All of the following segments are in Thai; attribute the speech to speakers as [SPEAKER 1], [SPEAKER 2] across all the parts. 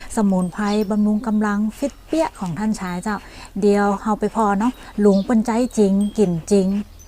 [SPEAKER 1] สมุนไพรบำรุงกำลังฟิตเปี้ยของท่านชายเจ้าเดียวเฮาไปพอเนาะลุงเปิ้นใจจริงกินจริง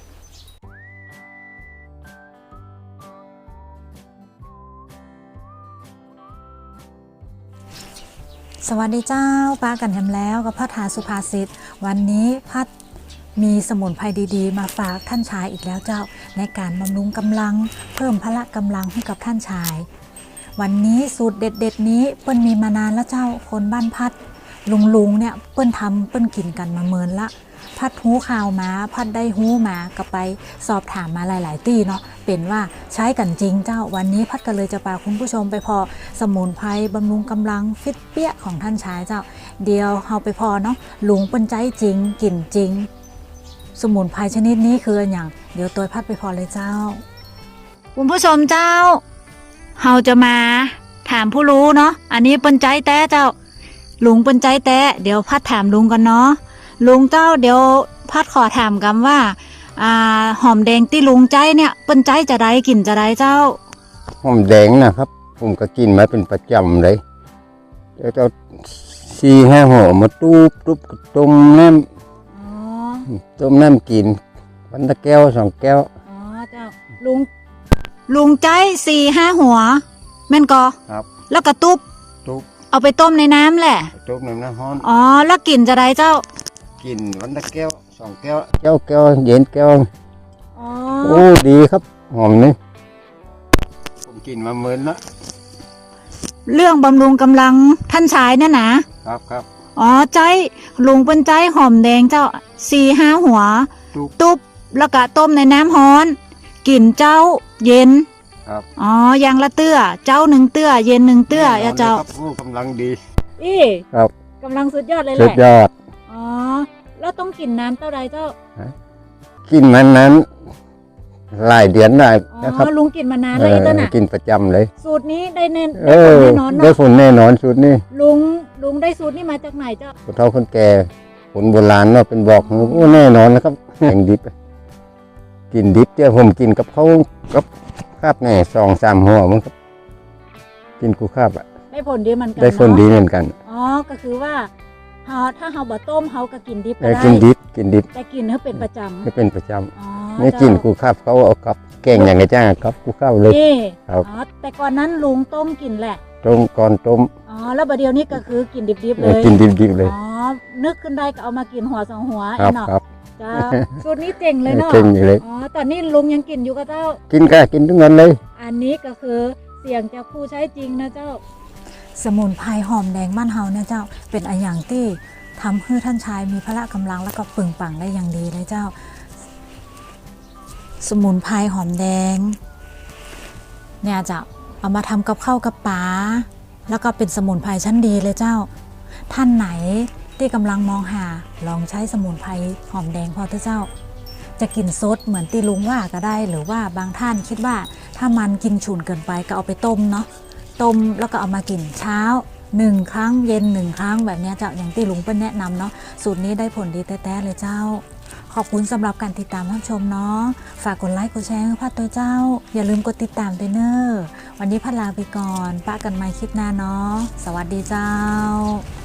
[SPEAKER 1] สวัสดีเจ้าป้ากันแฮมแล้วกับพัฒนาสุภาษิตวันนี้พัดมีสมุนไพรดีๆมาฝากท่านชายอีกแล้วเจ้าในการบำรุงกำลังเพิ่มพละกำลังให้กับท่านชายวันนี้สูตรเด็ดๆนี้เปิ้นมีมานานแล้วเจ้าคนบ้านพัดลุงเนี่ยเปิ้นทำเปิ้นกินกันมาเมินละพัดหูข่าวมาพัดได้หูมาก็ไปสอบถามมาหลายๆที่เนาะเป็นว่าใช้กันจริงเจ้าวันนี้พัดก็เลยจะพาคุณผู้ชมไปพอสมุนไพรบำรุงกำลังฟิตเปี้ยของท่านชายเจ้าเดียวเฮาไปพอเนาะลุงเปิ้นใจจริงกินจริงสมุนไพรชนิดนี้คืออย่างเดี๋ยวตัวพัดไปพอเลยเจ้าคุณผู้ชมเจ้าเฮาจะมาถามผู้รู้เนาะอันนี้เปิ้นใจแต้เจ้าลุงเปิ้นใจแต้เดี๋ยวพัดถามลุงกันเนาะลุงเจ้าเดี๋ยวพัดขอถามกันว่าหอมแดงที่ลุงใจเนี่ยเปิ้นใจจะได้กินจะได้เจ้า
[SPEAKER 2] หอมแดงนะครับผมก็กินมาเป็นประจำเลยเดี๋ยวจะ4-5 ห่อมาตูบต้มน้ำกินวันละแก้ว2 แก้ว
[SPEAKER 1] อ๋อเจ้าลุงใจ4-5 หัวแม่นกอ
[SPEAKER 2] ครับ
[SPEAKER 1] แล้วก็ตุ๊บเอาไปต้มในน้ำแหละ
[SPEAKER 2] ต้มในน้ำร้อน
[SPEAKER 1] อ๋อแล้วกินจะได้เจ้า
[SPEAKER 2] กินวันละแก้ว2 แก้วแก้วเย็นแก้ว
[SPEAKER 1] อ๋อ
[SPEAKER 2] โอ้ดีครับหอมนี่ผมกินมาเมินละ
[SPEAKER 1] เรื่องบำรุงกำลังท่านชายนั่นนะครับอ๋อใจลุงเป็นใจหอมแดงเจ้า4-5 หัวตุ๊บแล้วก็ต้มในน้ำร้อนกินเจ้าเย็น
[SPEAKER 2] ครับ
[SPEAKER 1] อ๋ออย่างละเตื้อเจ้า1 เตื้อเย็น1 เตื้ออย่าเจ้า
[SPEAKER 2] กำลังดี
[SPEAKER 1] ครับกำลังสุดยอดเลยแหละ
[SPEAKER 2] สุดยอด
[SPEAKER 1] อ๋อแล้วต้องกินน้ำเท่าไรเจ้า
[SPEAKER 2] กินมันนั้นหลายเดือนได้นะครับ
[SPEAKER 1] ลุงกินมานานเลยต้นน่ะ
[SPEAKER 2] กินประจำเลย
[SPEAKER 1] สูตรนี้ได้แน่นอน
[SPEAKER 2] ได้ผลแน่นอนสูตรนี้
[SPEAKER 1] ลุงได้สูตรนี้มาจากไหนเจ้า
[SPEAKER 2] คนเฒ่าคนแก่คนโบราณเนาะเป็นบอกโอ้แน่นอนนะครับแข่งดิบกินดิบเจ้าผมกินกับเขากับคาบแน่2-3 ห่อมั้งครับกินกูคาบอ่ะ
[SPEAKER 1] ได้ผลดีเหมือนกัน
[SPEAKER 2] ได้ผลดีเหมือนกัน
[SPEAKER 1] อ๋อก็คือว่าถ้าเฮาบ่ต้มเฮาก็กินดิบ
[SPEAKER 2] ได้กินดิบ
[SPEAKER 1] แต่กินเฮาเป็นประจำ
[SPEAKER 2] ไม่เป็นประจำไม่กินกูคาบเขาเอากับแกงอย่างไงจ้าครับกูข้าวเลย
[SPEAKER 1] ครับแต่ก่อนนั้นลุงต้มกินแหละ
[SPEAKER 2] ก่อนต้ม
[SPEAKER 1] อ๋อแล้วบัดเดี๋ยวนี้ก็คือกินดิบๆเลย
[SPEAKER 2] กินดิบๆเลย
[SPEAKER 1] อ๋อนึกขึ้นได้ก็เอามากินหัว2 หัว
[SPEAKER 2] เนาะ
[SPEAKER 1] จ้าสูตรนี้เจ๋งเลยเนาะ
[SPEAKER 2] เจ๋งอยู่เลย
[SPEAKER 1] อ๋อตอนนี้ลุงยังกินอยู่กับเจ้า
[SPEAKER 2] กินทุกวันเลย
[SPEAKER 1] อันนี้ก็คือเสียงจากผู้ใช้จริงนะเจ้าสมุนไพรหอมแดงบ้านเฮาเนี่ยเจ้าเป็นอันอย่างที่ทำให้ท่านชายมีพละกำลังแล้วก็ปึงปังได้อย่างดีเลยเจ้าสมุนไพรหอมแดงเนี่ยจะเอามาทำกับข้าวกับปลาแล้วก็เป็นสมุนไพรชั้นดีเลยเจ้าท่านไหนที่กำลังมองหาลองใช้สมุนไพรหอมแดงพอเถอะเจ้าจะกินซดเหมือนตีลุงว่าก็ได้หรือว่าบางท่านคิดว่าถ้ามันกินฉุนเกินไปก็เอาไปต้มเนาะต้มแล้วก็เอามากินเช้า1 ครั้งเย็น1 ครั้งแบบนี้เจ้าอย่างที่ลุงเปิ้ลแนะนำเนาะสูตรนี้ได้ผลดีแท้ๆเลยเจ้าขอบคุณสำหรับการติดตามรับชมเนาะฝากกดไลค์กดแชร์ให้พัดตัวเจ้าอย่าลืมกดติดตามด้วยเนอะวันนี้พัดลาไปก่อนป้ากันใหม่คลิปหน้าเนาะสวัสดีเจ้า